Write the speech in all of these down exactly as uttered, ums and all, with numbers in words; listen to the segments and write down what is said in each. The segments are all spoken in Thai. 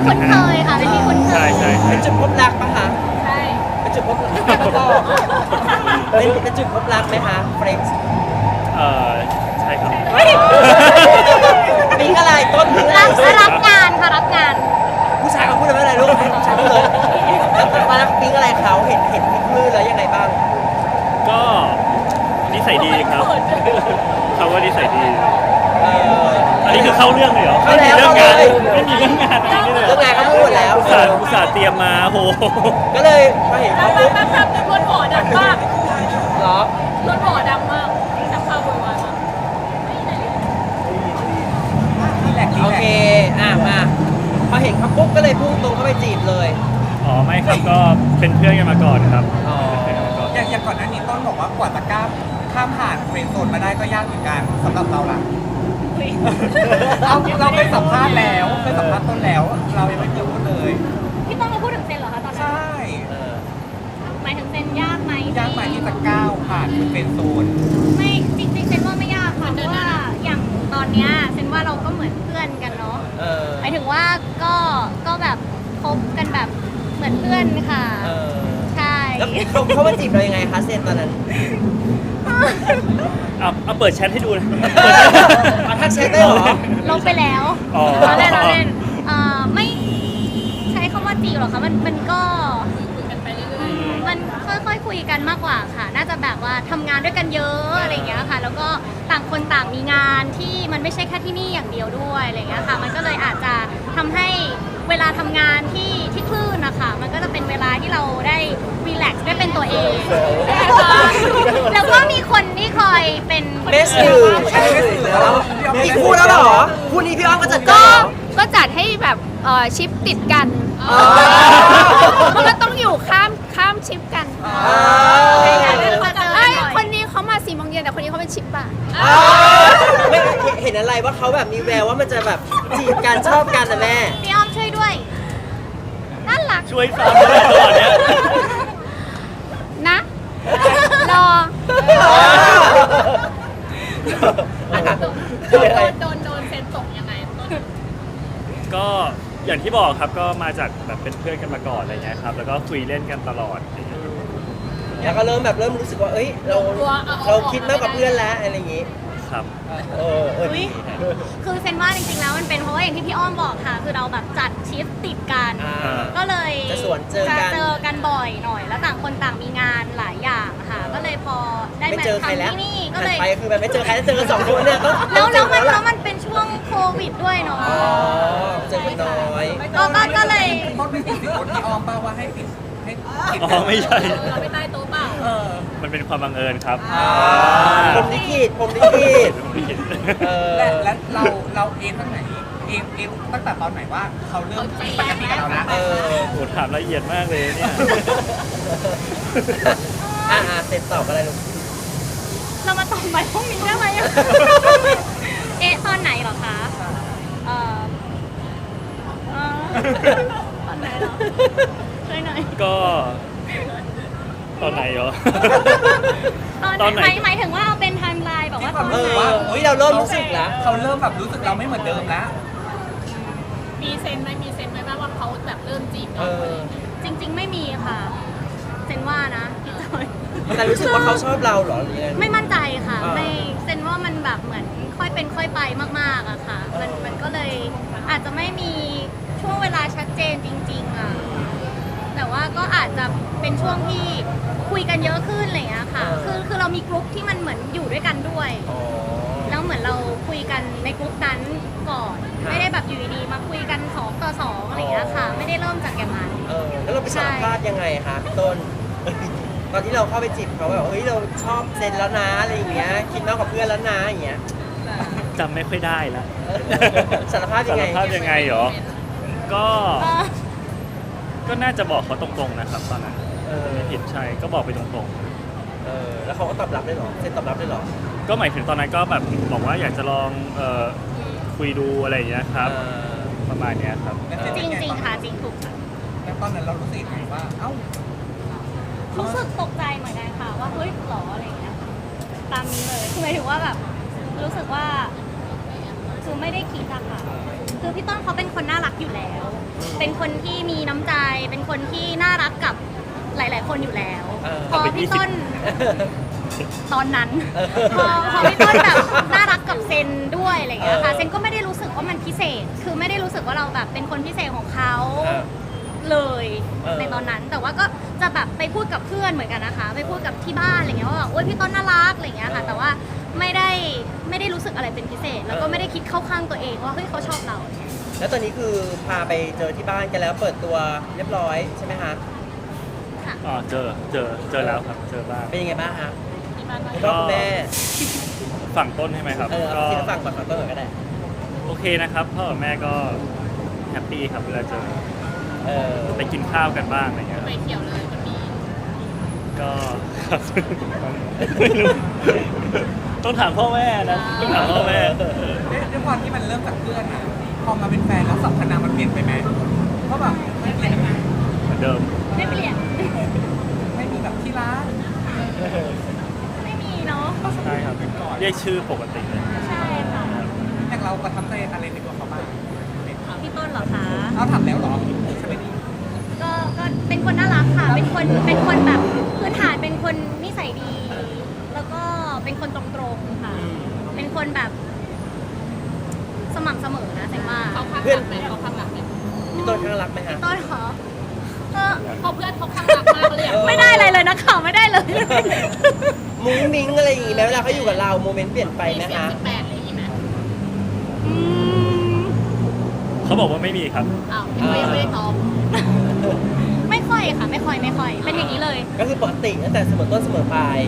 คุ้นเคยค่ะเป็นที่คุ้นเคใช่ยใช่เป็นจุดพบรักปะคะใช่เป็นจุดพบรักเป็นเป็นจุดพบรักไหมคะเฟรนช์เออใช่ครับปิ๊งอะไรต้นปิ๊งอะไรรับรับงานค่ะรับงานผู้ชายเขาพูดอะไรลูกให้ผู้ชายพูดเลยแล้วมารักปิ๊งอะไรเขาเห็นเห็นพี่คลื่นแล้วยังไงบ้างก็นิสัยดีครับเขาว่านิสัยดีเอออันนี้คือเข้าเรื่องเลยเหรอเข้าไม่แล้วมีเรื่องงานเข้าเลยไม่มีเรื่องงานอะไรนี่เลยเรื่องงานเขาพูดแล้วอุตส่าห์อุตส่าห์เตรียมมาโหก็เลยพอเห็นเขาปุ๊บแป๊บแป๊บแป๊บรถหวอดังมากเหรอรถหวอดังมากชักพาโวยวายมากโอเคอ่ะมาพอเห็นเขาปุ๊บก็เลยพุ่งตรงเข้าไปจีบเลยอ๋อไม่ครับก็เป็นเพื่อนกันมาก่อนครับอ๋อเป็นเพื่อนกันมาก่อนอย่างอย่างก่อนหน้านี้ต้นบอกว่ากว่าจะก้ามข้ามผ่านเฟรนด์โซนมาได้ก็ยากเหมือนกันสำหรับเราล่ะเราเราไปสัมภาษณ์แล้วไปสัมภาษณ์ต้นแล้ว เรายังไม่เคยพูดเลยพี่ต้องมาพูดถึงเซนเหรอคะตอนนั้นใช่เออหมายถึงเซนยากไหมยากไหมที่จะก้าวผ่านเฟรนด์โซนไม่จริงๆเซนว่าไม่ยากค่ะเพราะว่าอย่างตอนเนี้ยเซนว่าเราก็เหมือนเพื่อนกันเนาะเออหมายถึงว่าก็ก็แบบคบกันแบบเหมือนเพื่อนค่ะเออใช่แล้วเขาเขามาจีบเรายังไงคะเซนตอนนั้นเอาเอาเปิดแชทให้ดูเลยเอาทักแชทได้เหรอลบไปแล้วอ๋อเราเล่นเราเล่นเอ่อไม่ใช้คำว่าจีบหรอกคะมันมันก็คุยกันไปเรื่อยมันค่อยๆคุยกันมากกว่าค่ะ น่าจะแบบว่าทำงานด้วยกันเยอะอะไรอย่างเงี้ยค่ะ แล้วก็ต่างคนต่างมีงานที่มันไม่ใช่แค่ที่นี่อย่างเดียวด้วยอะไรอย่างเงี้ยค่ะ มันก็เลยอาจจะทำให้เวลาทำงานที่ที่คลื่นนะคะมันก็จะเป็นเวลาที่เราได้รีแลกซ์ได้เป็นตัวเอง แล้วก็มีคนที่คอยเป็นเบสสื่อใช่เบสสื่อแล้วอีกคู่แล้วเหรอคู่นี้พี่อ้อมก็จัดกาก็รเหรอก็จัดให้แบบเอ่อชิปติดกันอ๋อมันก็ต้องอยู่ข้ามข้ามชิปกันใช่ค่ะพอเจอไอ้ยบ่อยคนนี้เขามาสี่โมงเย็นแต่คนนี้เขาเป็นชิปบ่ายอ๋อไม่เห็นอะไรว่าเขาแบบมีแววว่ามันจะแบบจีบกันชอบกันนะแม่พี่อ้อมช่วยด้วยน่ารักช่วยฟังด้วยตอนเนี้ยนะ รอๆโดนโดนโดนโดนเซนตกยังไงต้นก็อย่างที่บอกครับก็มาจากแบบเป็นเพื่อนกันมาก่อนอะไรเงี้ยครับแล้วก็คุยเล่นกันตลอดอะไรเงี้ยแล้วก็เริ่มแบบเริ่มรู้สึกว่าเอ้ยเราเราคิดมากกว่าเพื่อนแล้วอะไรอย่างงี้ครับเออเอออุ๊ย คือเซนว่าจริงๆแล้วมันเป็นเพราะว่าอย่างที่พี่อ้อมบอกค่ะ คือเราแบบจัดชิปติดกันอ่าก็เลยจะสวนเจอกันจะเจอกันบ่อยหน่อย แล้วต่างคนต่างมีงานหลายอย่างค่ะ ก็เลยพอได้ไม่มาเจอใครแล้วทำที่นี่ก็หันเลยไปคือแบบไม่เจอใครแล้วเจอกันสองคนเนี่ยต้องแล้วแล้วมันเจอแล้วล่ะมันเป็นช่วงโควิดด้วยเนาะอ๋อเจอกันน้อยก็ก็ก็เลยต้นไม่ติดสิคนที่ออมเปล่าว่าให้ติดให้ติดอ๋อไม่ใช่เราไปใต้โต๊ะเปล่าเออมันเป็นความบังเอิญครับอ่าผมลิขิตผมลิขิตเออและและเราเราเองตั้งไหนเองเองตั้งแต่ตอนไหนว่าเขาเริ่มปกติกับเรานะเออโหถามละเอียดมากเลยเนี่ยอ่าเสร็จตอบอะไรลูกเรามาตอบใหม่พวกนี้ได้ไหมอะเอ๊ะตอนไหนเหรอคะ เอ่อเอ่อตอนไหนเหรอช่วยหน่อยก็ตอนไหนเหรอตอนตอนไหนหมายหมายถึงว่าเอาเป็นไทม์ไลน์แบบว่าตอนเอไหนออุ้ยเราเริ่มรู้สึกแล้วเขาเริ่มแบบรู้สึกเราไม่เหมือนเดิมแล้วมีเซนไหมมีเซนไหมว่าเขาแบบเริ่มจีบเอเราอจริง ๆ ไม่มีค่ะเซนว่านะพี่จอยแต่รู้สึกว่าเขาชอบเราเหรอหรือยังไงไม่มั่นใจค่ะอ่าไม่เซนว่ามันแบบเหมือนค่อยเป็นค่อยไปมากๆอะค่ะ มันมันก็เลยอาจจะไม่มีช่วงเวลาชัดเจนจริง ๆอะแต่ว่าก็อาจจะเป็นช่วงที่คุยกันเยอะขึ้นอะไรอย่างเงี้ยค่ะ คือคือเรามีกลุ่มที่มันเหมือนอยู่ด้วยกันด้วยอ๋อแล้วเหมือนเราคุยกันในกลุ่มนั้นก่อนครับไม่ได้แบบอยู่ดีๆมาคุยกันสองต่อสองอะไรอย่างเงี้ยค่ะ ไม่ได้เริ่มจากอย่างนั้นเออแล้วเราไปสารภาพยังไงคะพี่ต้น ตอนที่เราเข้าไปจีบเขาแบบเฮ้ยเราชอบเซนแล้วนะอะไรอย่างเงี้ยคิดมากกว่าเพื่อนแล้วนะอย่างเงี้ยจำไม่ค่อยได้ละสารภาพยังไงสารภาพยังไงเหรอ ก็ ก็น่าจะบอกเขาตรงๆนะครับตอนนั้นเออไม่ผิดใช่ ก็บอกไปตรงเออแล้วเขาก็ตอบรับได้เหรอเซนตอบรับได้เหรอๆ ก็หมายถึงตอนนั้นก็แบบบอกว่าอยากจะลองเอ่อคุยดูอะไรอย่างเงี้ยครับเออประมาณเนี้ยครับแล้วเนจเป็นไริงๆค่ะจริงถูกค่ะแล้วตอนนั้นเรารู้สึกยังไงว่า เอ้ารู้สึกตกใจเหมือนกันค่ะว่าเฮ้ยหรออะไรอย่างเงี้ยตามนี้เลยคือหมายถึงว่าแบบรู้สึกว่าคือไม่ได้คิดอะค่ะคือพี่ต้นเขาเป็นคนน่ารักอยู่แล้ว เป็นคนที่มีน้ำใจ เป็นคนที่น่ารักกับหลาย ๆ คนอยู่แล้วเออพอพี่ต้นตอนนั้นเออพอพอพี่ต้นแบบน่ารักกับเซนด้วยอะไรอย่างเงี้ยค่ะเออเซนก็ไม่ได้รู้สึกว่ามันพิเศษ คือไม่ได้รู้สึกว่าเราแบบเป็นคนพิเศษของเขาเออเลยเออในตอนนั้น แต่ว่าก็จะแบบไปพูดกับเพื่อนเหมือนกันนะคะ ไปพูดกับที่บ้านอะไรเงี้ยว่าแบบโอ๊ยพี่ต้นน่ารักอะไรเงี้ยค่ะ แต่ว่าไม่ได้ไม่ได้รู้สึกอะไรเป็นพิเศษ แล้วก็ไม่ได้คิดเข้าข้างตัวเองว่าเฮ้ยเขาชอบเราแล้วตอนนี้คือพาไปเจอที่บ้านกันแล้วเปิดตัวเรียบร้อยใช่ไหมคะค่ะอ๋อเจอเจอเจอแล้วครับเจอบ้างเป็นยังไงบ้างฮะที่บ้านว่าคุณพ่อคุณแม่ฝั่งต้นใช่ไหมครับเออเอาก็ที่ฝั่งก่อนฝั่งต้นก่อนก็ได้โอเคนะครับพ่อกับแม่ก็แฮปปี้ครับเวลาเจอเออไปกินข้าวกันบ้างอะไรเงี้ยคไปรับเที่ยวเลยมันมีก็ครับไม่รู้ต้องถามพ่อแม่นะต้องถามพ่อแม่ด้วยความที่มันเริ่มจากเพื่อนอะพอมาเป็นแฟนแล้วสัพพนามมันเปลี่ยนไปไหมเพราะแบบไม่เปลี่ยนเหมือนเดิมไม่เปลี่ยนไม่มีแบบที่ร้านไม่มีเนาะใช่ครับเรียกชื่อปกติเลยใช่ค่ะอย่างเราประทับใจอะไรในตัวเขาบ้างพี่ต้นเหรอคะเอาถามแล้วเหรอใช่ไหมนี่ก็ก็เป็นคนน่ารักค่ะ เป็นคนเป็นคนแบบพื้นฐานเป็นคนนิสัยดี แล้วก็เป็นคนตรงๆค่ะ เป็นคนแบบสม่ำเสมอนะแสดงว่าเขาข้างหลังไหมเขาข้างหลังไหมพี่ต้นข้างรักไหมฮะต้นเหรอเออเพราะเพื่อนเขาข้างหลังมากเลยอะไม่ได้อะไรเลยนะข่าวไม่ได้เลยมุ้งมิ้งอะไรอย่างงี้ไหมเวลาเขาอยู่กับเราโมเมนต์เปลี่ยนไปไหมเสียงคะสิบแปดอะไรอย่างงี้ไหมอืมเขาบอกว่าไม่มีครับอ้าวยังไม่ยังไม่ได้ท้องไม่ค่อยค่ะ ไม่ค่อยไม่ค่อย เป็นอย่างนี้เลยก็คือปกติตั้งแต่เสมอต้นเสมอปลาย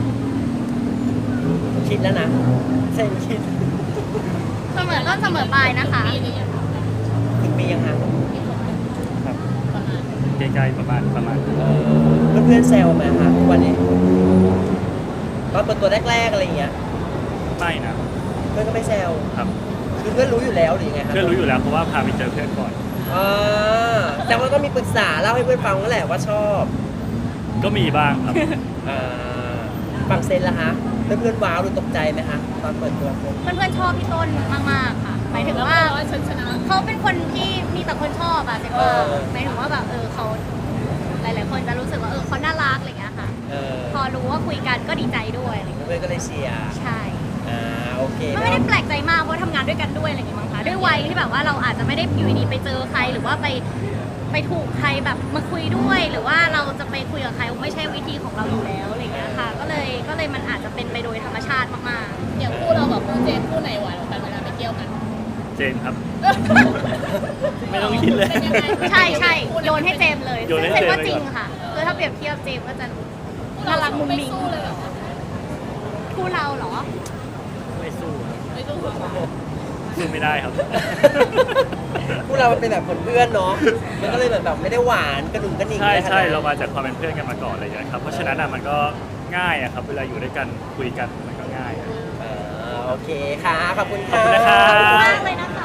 คิดแล้วนะเซนคิดเสมอต้นเสมอปลายนะคะปีนี้ยังถึงปียังฮะครับประมาณใกล้ๆประมาณประมาณเออเพื่อนๆแซวไหมฮะทุกวันนี้ตอนเปิดตัวแรกๆอะไรอย่างเงี้ยไม่นะเพื่อนก็ไม่แซวครับคือเพื่อนรู้อยู่แล้วหรือยังไงครับเพื่อนรู้อยู่แล้วเพราะว่าพาไปเจอเพื่อนก่อนอ่าแต่ว่าก็มีปรึกษาเล่าให้เพื่อนฟังนั่นแหละว่าชอบก็มีบ้างครับอ่าฟังเซนละฮะเพื่อนๆว้าวหรือตกใจไหมฮะตอนเปิดตัวผมเพื่อนๆชอบพี่ต้นมากๆค่ะ หมายถึงแล้วว่าว่าฉันชนะเขาเป็นคนที่มีแต่คนชอบอะแต่ว่าหมายถึงว่าแบบเออเขาหลาย ๆ คนจะรู้สึกว่าเออเขาน่ารักอะไรอย่างเงี้ยค่ะเออพอรู้ว่าคุยกันก็ดีใจด้วยอะไรอย่างเงี้ยเพื่อนๆก็เลยเชียร์ใช่อ่าโอเคก็ไม่ได้แปลกใจมากเพราะทำงานด้วยกันด้วยอะไรอย่างเงี้ยมั้งคะด้วยวัยที่แบบว่าเราอาจจะไม่ได้อยู่ดีๆไปเจอใครหรือว่าไปไปถูกใครแบบมาคุยด้วย หรือว่าเราจะไปคุยกับใครไม่ใช่วิธีของเราอยู่แล้วอะไรอย่างเงี้ยค่ะ ก็เลยก็เลยมันอาจจะเป็นไปโดยธรรมชาติมากอย่างคู่เรากับคู่เจนคู่ไหนหวานกว่ากันเวลาไปเที่ยวกันเจนครับ ไม่ต้องคิดเลยเป็นยังไงๆ ใช่ใช่โยนให้เจมส์เลยโยนให้ซึ่งเจมส์ว่าเจมส์จริงเลยเหรอค่ะคือถ้าเปรียบเทียบเจมส์ก็จะคู่น่าเรารักมุ้งไม่มิ้งสู้เลยเหรอคู่เราเหรอไม่สู้ครับไม่สู้เหรอสู้ไม่ได้ครับพวกเรามันเป็นแบบเพื่อนๆเนาะมันก็เลยแบบแบบไม่ได้หวานกระดุมกระหนิ่งใช่อะไรขนดใช่นั้นเรามาจากความเป็นเพื่อนกันมาก่อนอะไรอย่างเงี้ยครับเพราะฉะนั้นอ่ะมันก็ง่ายอะครับเวลาอยู่ด้วยกันคุยกันมันก็ง่ายอะอ่าโอเคค่ะ ขอบคุณขอบค่ะคุณนะครับมากเลยนะคะ